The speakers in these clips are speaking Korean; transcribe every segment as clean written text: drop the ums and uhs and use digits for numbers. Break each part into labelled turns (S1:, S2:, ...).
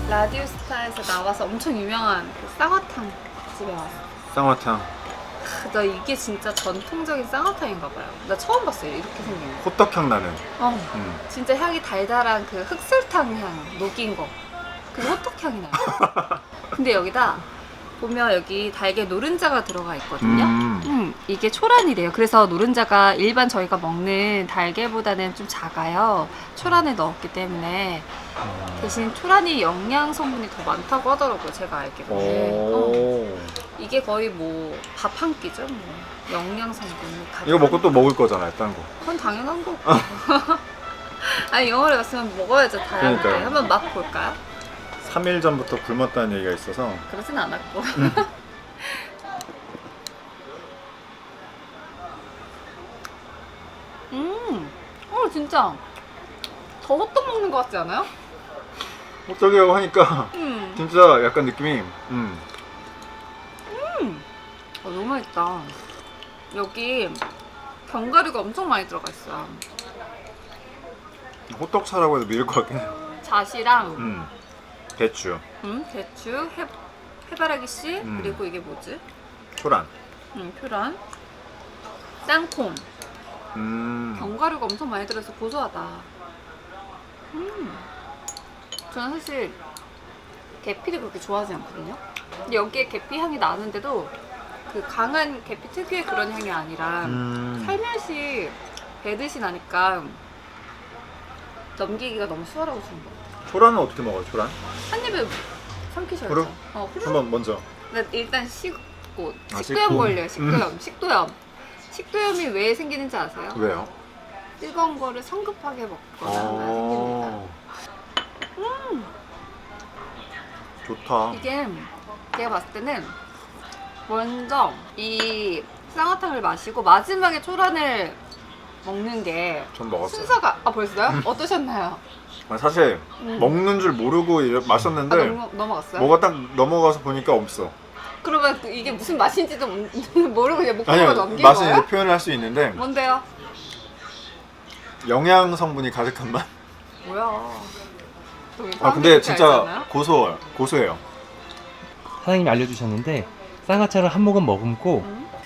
S1: 라디오스타에서 나와서 엄청 유명한 그 쌍화탕 집에 왔어.
S2: 쌍화탕.
S1: 나 이게 진짜 전통적인 쌍화탕인가 봐요. 나 처음 봤어요. 이렇게 생긴 거.
S2: 호떡향 나는.
S1: 진짜 향이 달달한 그 흑설탕 향 녹인 거. 그게 호떡향이 나요. 근데 여기다 보면 여기 달걀 노른자가 들어가 있거든요. 이게 초란이래요. 그래서 노른자가 일반 저희가 먹는 달걀보다는 좀 작아요. 초란에 넣었기 때문에. 대신 초란이 영양 성분이 더 많다고 하더라고요. 제가 알기로는. 이게 거의 뭐 밥 한 끼죠. 뭐. 영양 성분이.
S2: 이거 먹고 또 먹을 거잖아요, 딴 거.
S1: 그건 당연한 거고. 아니 영월에 갔으면 먹어야죠. 다양하게.
S2: 그러니까요.
S1: 한번 맛 볼까요?
S2: 3일 전부터 굶었다는 얘기가 있어서.
S1: 그러진 않았고. 진짜 더 호떡 먹는 것 같지 않아요?
S2: 호떡이라고 하니까 진짜 약간 느낌이
S1: 너무 맛있다. 여기 견과류가 엄청 많이 들어가 있어요.
S2: 호떡차라고 해도 믿을 것 같긴 해요.
S1: 잣이랑
S2: 대추,
S1: 대추, 해바라기 씨, 그리고 이게 뭐지?
S2: 초란.
S1: 표란, 땅콩. 견과류가 엄청 많이 들어서 고소하다. 저는 사실 계피를 그렇게 좋아하지 않거든요. 근데 여기에 계피 향이 나는데도 그 강한 계피 특유의 그런 향이 아니라 살며시 배듯이 나니까 넘기기가 너무 수월하고 좋은 것 같아요.
S2: 초란은 어떻게 먹어요, 초란?
S1: 한 입에 삼키셔야죠.
S2: 그래?
S1: 훌렁.
S2: 한번 먼저.
S1: 나 일단 식고
S2: 아,
S1: 식도염
S2: 식고.
S1: 걸려요. 식도염. 식도염이 왜 생기는지 아세요?
S2: 왜요?
S1: 뜨거운 거를 성급하게 먹거나 생깁니다.
S2: 좋다.
S1: 이게 제가 봤을 때는 먼저 이 쌍화탕을 마시고 마지막에 초란을 먹는 게
S2: 전 먹었어요.
S1: 순서가 벌써요? 어떠셨나요?
S2: 사실 먹는 줄 모르고 마셨는데
S1: 넘어갔어요?
S2: 뭐가 딱 넘어가서 보니까 없어.
S1: 그러면 이게 무슨 맛인지도 모르고 그냥 목표가
S2: 아니요,
S1: 넘긴
S2: 맛은
S1: 거예요?
S2: 이제 표현을 할 수 있는데
S1: 뭔데요?
S2: 영양 성분이 가득한 맛.
S1: 뭐야?
S2: 근데 진짜 고소해요.
S3: 사장님이 알려주셨는데 쌍화차를 한 모금 머금고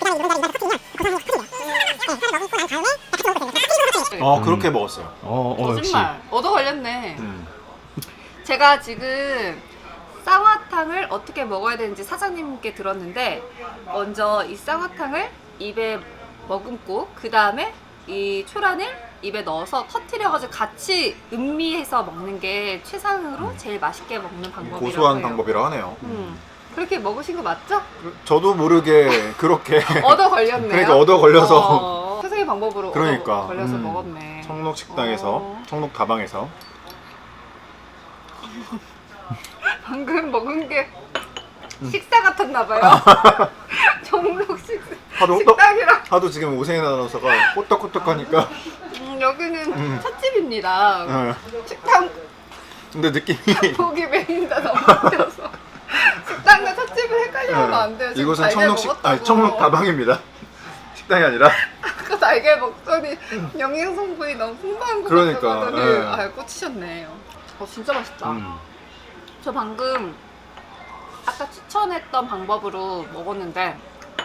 S2: 그렇게 먹었어요.
S3: 역시
S1: 거짓말. 얻어 걸렸네. 제가 지금 쌍화탕을 어떻게 먹어야 되는지 사장님께 들었는데 먼저 이 쌍화탕을 입에 머금고 그 다음에 이 초란을 입에 넣어서 터트려가지고 같이 음미해서 먹는 게 최상으로 제일 맛있게 먹는 방법이라고
S2: 고소한
S1: 해요.
S2: 방법이라고 하네요.
S1: 그렇게 먹으신 거 맞죠?
S2: 저도 모르게 그렇게
S1: 얻어 걸렸네요.
S2: 그러니까 얻어 걸려서
S1: 최상의 방법으로
S2: 그러니까.
S1: 얻어 걸려서 먹었네.
S2: 청록 식당에서 청록 다방에서
S1: 방금 먹은 게 식사 같았나 봐요. 종록 식당이랑
S2: 하도 지금 오세인 아나운서가 호떡호떡하니까
S1: 여기는 찻집입니다.
S2: 네.
S1: 식당
S2: 근데 느낌이
S1: 고기 메인 다 너무 웃겨서 식당과 찻집을 헷갈리면 안 돼요. 지금
S2: 이곳은
S1: 달걀 먹었다고.
S2: 청록 다방입니다. 식당이 아니라.
S1: 아까 달걀 먹더니 영양 성분이 너무 풍부한 것
S2: 그러니까,
S1: 같아서
S2: 예.
S1: 꽂히셨네요. 진짜 맛있다. 저 방금 아까 추천했던 방법으로 먹었는데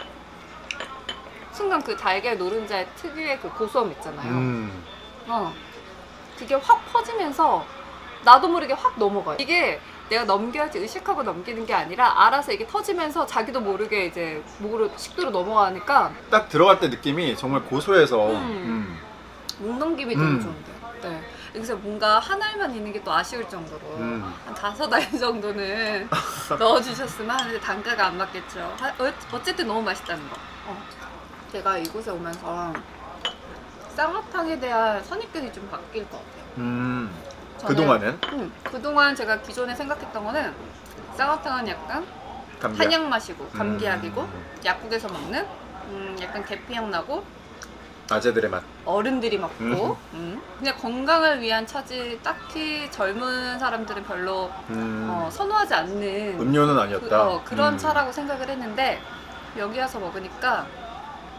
S1: 순간 그 달걀 노른자의 특유의 그 고소함 있잖아요. 그게 확 퍼지면서 나도 모르게 확 넘어가요. 이게 내가 넘겨야지 의식하고 넘기는 게 아니라 알아서 이게 터지면서 자기도 모르게 이제 목으로 식도로 넘어가니까
S2: 딱 들어갈 때 느낌이 정말 고소해서
S1: 목 넘김이 너무 좋은데. 네. 그래서 뭔가 한 알만 있는 게 또 아쉬울 정도로 한 5알 정도는 넣어주셨으면 하는데 단가가 안 맞겠죠. 어쨌든 너무 맛있다는 거. 제가 이곳에 오면서 쌍화탕에 대한 선입견이 좀 바뀔 것 같아요.
S2: 그동안은
S1: 그동안 제가 기존에 생각했던 거는 쌍화탕은 약간
S2: 감기약.
S1: 한약 맛이고 감기약이고 약국에서 먹는 약간 계피향 나고
S2: 아재들의 맛.
S1: 어른들이 먹고 그냥 건강을 위한 차지 딱히 젊은 사람들은 별로 선호하지 않는
S2: 음료는 아니었다.
S1: 그런 차라고 생각을 했는데 여기 와서 먹으니까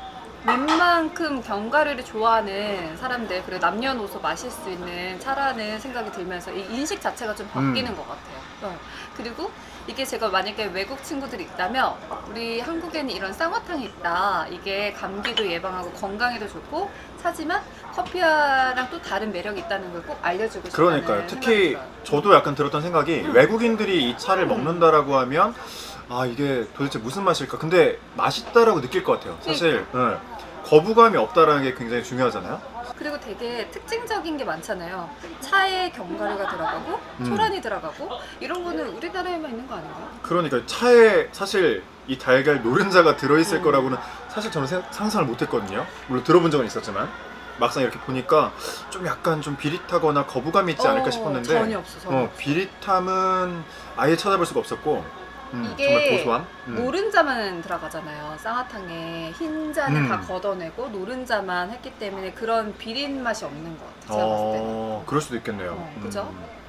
S1: 웬만큼 견과류를 좋아하는 사람들, 그리고 남녀노소 마실 수 있는 차라는 생각이 들면서 이 인식 자체가 좀 바뀌는 것 같아요. 그리고 이게 제가 만약에 외국 친구들이 있다면 우리 한국에는 이런 쌍화탕이 있다. 이게 감기도 예방하고 건강에도 좋고 차지만 커피랑 또 다른 매력이 있다는 걸 꼭 알려주고 싶다는
S2: 그러니까요. 특히
S1: 생각이 들어요.
S2: 저도 약간 들었던 생각이 외국인들이 이 차를 먹는다라고 하면 아 이게 도대체 무슨 맛일까? 근데 맛있다라고 느낄 것 같아요. 사실 거부감이 없다라는 게 굉장히 중요하잖아요.
S1: 그리고 되게 특징적인 게 많잖아요. 차에 견과류가 들어가고 초란이 들어가고 이런 거는 우리나라에만 있는 거 아닌가요?
S2: 그러니까 차에 사실 이 달걀 노른자가 들어있을 거라고는 사실 저는 상상을 못했거든요. 물론 들어본 적은 있었지만 막상 이렇게 보니까 좀 약간 좀 비릿하거나 거부감이 있지 않을까 싶었는데
S1: 전혀 없어. 전혀 없어.
S2: 비릿함은 아예 찾아볼 수가 없었고 정말
S1: 이게
S2: 고소함.
S1: 노른자만 들어가잖아요. 쌍화탕에 흰자는 다 걷어내고 노른자만 했기 때문에 그런 비린 맛이 없는 것 같아요. 제가 봤을 때는.
S2: 그럴 수도 있겠네요.
S1: 그죠?